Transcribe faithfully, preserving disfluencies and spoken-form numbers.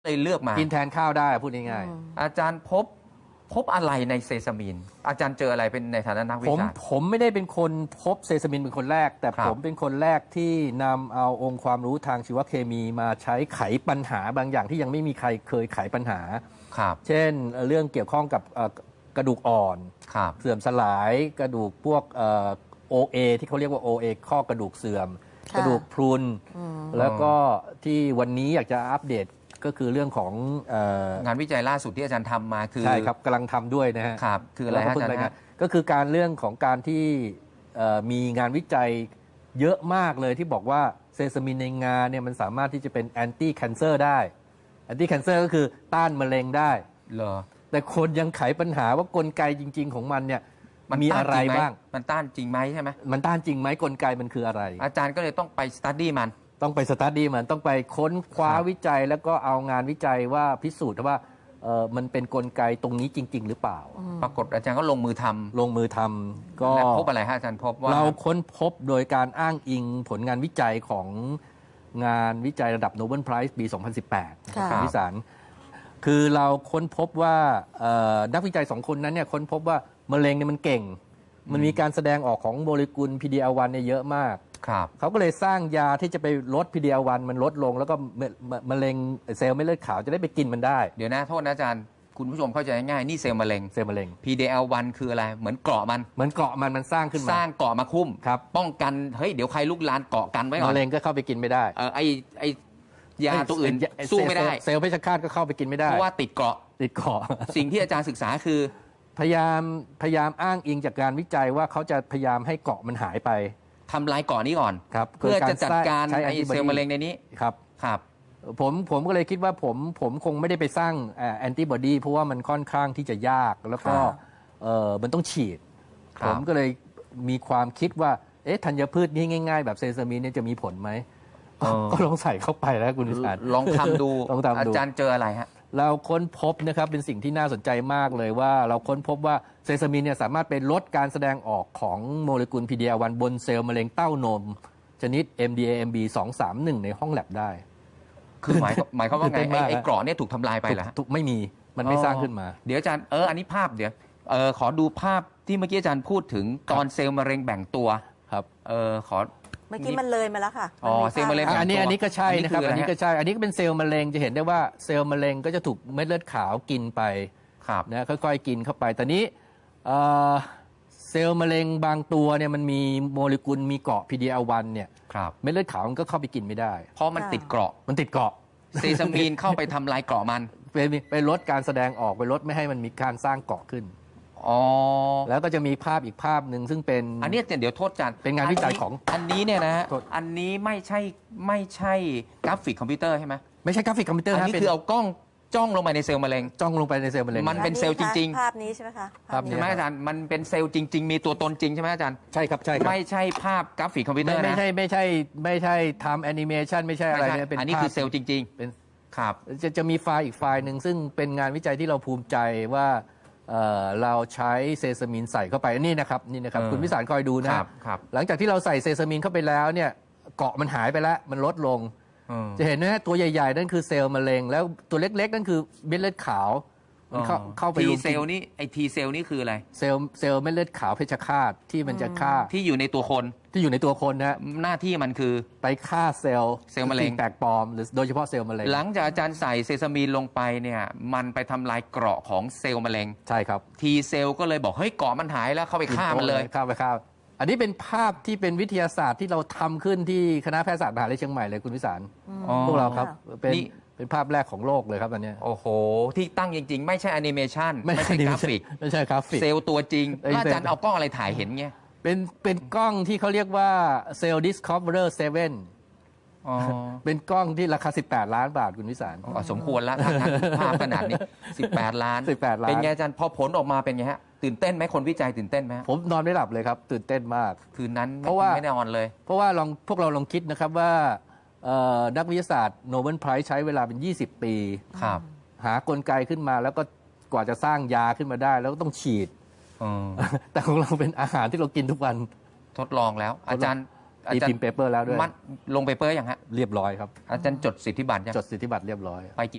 เลยเลือกมากินแทนข้าวได้พูดง่ายๆอาจารย์พบพบอะไรในเซซามินอาจารย์เจออะไรเป็นในฐานะนักวิชาการผมผมไม่ได้เป็นคนพบเซซามินเป็นคนแรกแต่ผมเป็นคนแรกที่นำเอาองค์ความรู้ทางชีวเคมีมาใช้ไขปัญหาบางอย่างที่ยังไม่มีใครเคยไขปัญหาเช่นเรื่องเกี่ยวข้องกับกระดูกอ่อนเสื่อมสลายกระดูกพวกโอเอที่เขาเรียกว่า โอ เอ ข้อกระดูกเสื่อมกระดูกพรุนแล้วก็ที่วันนี้อยากจะอัปเดตก็คือเรื่องของงานวิจัยล่าสุดที่อาจารย์ทำมาคือใช่ครับกำลังทำด้วยนะฮะครับคืออะไรอาจารย์ก็คือการเรื่องของการที่มีงานวิจัยเยอะมากเลยที่บอกว่าเซซามินในงาเนี่ยมันสามารถที่จะเป็นแอนตี้แคนเซอร์ได้แอนตี้แคนเซอร์ก็คือต้านมะเร็งได้เหรอแต่คนยังไขปัญหาว่ากลไกจริงๆของมันเนี่ยมันมีอะไรบ้างมันต้านจริงไหมใช่ไหมมันต้านจริงไหมกลไกมันคืออะไรอาจารย์ก็เลยต้องไปสตัดดี้มันต้องไปสตัดดี้มันต้องไปค้นคว้าวิจัยแล้วก็เอางานวิจัยว่าพิสูจน์ว่าเออมันเป็นกลไกตรงนี้จริงๆหรือเปล่าปรากฏอาจารย์ก็ลงมือทำลงมือทำก็พบอะไรฮะอาจารย์พบว่าเราค้นพบโดยการอ้างอิงผลงานวิจัยของงานวิจัยระดับโนเบิลไพรส์ปี สองพันสิบแปด ของวิสารคือเราค้นพบว่านักวิจัยสองคนนั้นเนี่ยค้นพบว่ามะเร็งเนี่ยมันเก่งมันมีการแสดงออกของโมเลกุล พี ดี แอล วัน เนี่ยเยอะมากเขาก็เลยสร้างยาที่จะไปลด พี ดี แอล วัน มันลดลงแล้วก็มะเร็งเซลล์เม็ดเลือดขาวจะได้ไปกินมันได้เดี๋ยวนะโทษนะอาจารย์คุณผู้ชมเข้าใจง่ายๆนี่เซลล์มะเร็งเซลล์มะเร็งพี ดี แอล วัน คืออะไรเหมือนเกราะมันเหมือนเกราะมันมันสร้างขึ้นมาสร้างเกราะมาคุ้มครับป้องกันเฮ้ยเดี๋ยวใครลุกลานเกาะกันไว้ก่อนมะเร็งก็เข้าไปกินไม่ได้เออไอไอยาตัวอื่นสู้ไม่ได้เซลล์เพชฌฆาตก็เข้าไปกินไม่ได้เพราะว่าติดเกราะติดเกราะสิ่งที่อาจารย์ศึกษาคือพยายามพยายามอ้างอิงจากการวิจัยว่าเขาจะพยายามให้เกราะมันหายไปทำลายเกาะนี้ก่อนครับเพื่อจะจัดการไอเซลล์มะเร็งในนี้ครับครับผมผมก็เลยคิดว่าผมผมคงไม่ได้ไปสร้างแอนติบอดีเพราะว่ามันค่อนข้างที่จะยากแล้วก็เออมันต้องฉีดผมก็เลยมีความคิดว่าเอ๊ะธัญพืชนี่ง่ายๆแบบเซซามินเนี่ยจะมีผลไหมก็ลองใส่เข้าไปแล้วคุณวิสารลองทำดูอาจารย์เจออะไรฮะเราค้นพบนะครับเป็นสิ่งที่น่าสนใจมากเลยว่าเราค้นพบว่าเซซามินเนี่ยสามารถเป็นลดการแสดงออกของโมเลกุล พี ดี แอล วัน บนเซลล์มะเร็งเต้านมชนิด เอ็ม ดี เอ เอ็ม บี สองสามหนึ่ง ในห้องแลบได้คือหมายหมายความว่าไงไอ้เกราะเนี่ยถูกทำลายไปเหรอไม่มีมันไม่สร้างขึ้นมาเดี๋ยวอาจารย์เอออันนี้ภาพเดี๋ยวเออขอดูภาพที่เมื่อกี้อาจารย์พูดถึงตอนเซลล์มะเร็งแบ่งตัวครับเออขอเมื่อกี้มันเลยมาแล้วค่ะอ๋อเซลล์มะเร็งอันนี้อันนี้ก็ใช่นะครับอันนี้ก็ใช่อันนี้ก็เป็นเซลล์มะเร็งจะเห็นได้ว่าเซลล์มะเร็งก็จะถูกเม็ดเลือดขาวกินไปนะค่อยๆกินเข้าไปตอนนี้เซลล์มะเร็งบางตัวเนี่ยมันมีโมเลกุลมีเกาะ พี ดี แอล วัน เนี่ยเม็ดเลือดขาวมันก็เข้าไปกินไม่ได้เพราะมันติดเกราะมันติดเกราะเซซามีนเข้าไปทำลายเกราะมันไปไปลดการแสดงออกไปลดไม่ให้มันมีการสร้างเกราะขึ้นอ๋อแล้วก็จะมีภาพอีกภาพหนึ่งซึ่งเป็นอันนี้เดี๋ยวโทษจันเป็นงานวิจัยของอันนี้เนี่ยนะอันนี้ไม่ใช่ไม่ใช่กราฟิกคอมพิวเตอร์ใช่ไหมไม่ใช่กราฟิกคอมพิวเตอร์อันนี้คือเอากล้องจ้องลงไปในเซลล์มะเร็งจ้องลงไปในเซลล์มะเร็งมันเป็นเซลล์จริงๆภาพนี้ใช่ไหมคะใช่ไหมอาจารย์มันเป็นเซลล์จริงๆมีตัวตนจริงใช่ไหมอาจารย์ใช่ครับใช่ไม่ใช่ภาพกราฟิกคอมพิวเตอร์นะไม่ใช่ไม่ใช่ไม่ใช่ทำแอนิเมชันไม่ใช่อะไรเนี่ยเป็นอันนี้คือเซลล์จริงๆเป็นครับจะจะมีไฟล์อีกไฟล์หนึ่งซึ่งเป็นงานวิจัยที่เราภูมิใจว่าเราใช้เซซามินใส่เข้าไปนี่นะครับนี่นะครับคุณวิสารคอยดูนะครับหลังจากที่เราใส่เซซามินเข้าไปแล้วเนี่ยเกาะมันหายไปแล้วมันลดลงจะเห็นนะตัวใหญ่ๆนั่นคือเซลล์มะเร็งแล้วตัวเล็กๆนั่นคือเม็ดเลือดขาวมันเข้าเข้าไปทีเซลล์นี่ไอทีเซลล์นี่คืออะไรเซลล์เซลล์เม็ดเลือดขาวเพชฌฆาตที่มันจะฆ่าที่อยู่ในตัวคนที่อยู่ในตัวคนนะหน้าที่มันคือไปฆ่าเซลล์เซลล์มะเร็งแปลกปลอมหรือโดยเฉพาะเซลล์มะเร็งหลังจากอาจารย์ใส่เซซามีนลงไปเนี่ยมันไปทำลายเกราะของเซลล์มะเร็งใช่ครับทีเซลล์ก็เลยบอกเฮ้ยเกราะมันหายแล้วเข้าไปฆ่ามันเลยฆ่าไปฆ่าอันนี้เป็นภาพที่เป็นวิทยาศาสตร์ที่เราทำขึ้นที่คณะแพทยศาสตร์มหาวิทยาลัยเชียงใหม่เลยคุณวิสารพวกเราครับเป็นเป็นภาพแรกของโลกเลยครับอันนี้โอ้โหที่ตั้งจริงๆไม่ใช่แอนิเมชันไม่ใช่กราฟิกไม่ใช่กราฟิกเซลล์ตัวจริงอาจารย์เอากล้องอะไรถ่ายเห็นเงี้ยเป็นเป็นกล้องที่เขาเรียกว่าเซลล์ Discoverer เซเว่นเป็นกล้องที่ราคาสิบแปดล้านบาทคุณวิสารสมควรแล้วภาพขนาดนี้สิบแปดล้านสิบแปดล้านเป็นไงอาจารย์พอผลออกมาเป็นไงฮะตื่นเต้นไหมคนวิจัยตื่นเต้นไหมผมนอนไม่หลับเลยครับตื่นเต้นมากคืนนั้นเพราะว่าไม่ได้นอนเลยเพราะว่าลองพวกเราลองคิดนะครับว่านักวิทยาศาสตร์โนเบิลไพรส์ใช้เวลาเป็นยี่สิบปีหากลไกขึ้นมาแล้วก็กว่าจะสร้างยาขึ้นมาได้แล้วก็ต้องฉีดแต่ของเราเป็นอาหารที่เรากินทุกวันทดลองแล้วอาจารย์มีพิมพ์เปเปอร์แล้วด้วยลงเปเปอร์อย่างฮะเรียบร้อยครับอาจารย์จดสิทธิบัตรยังจดสิทธิบัตรเรียบร้อยไป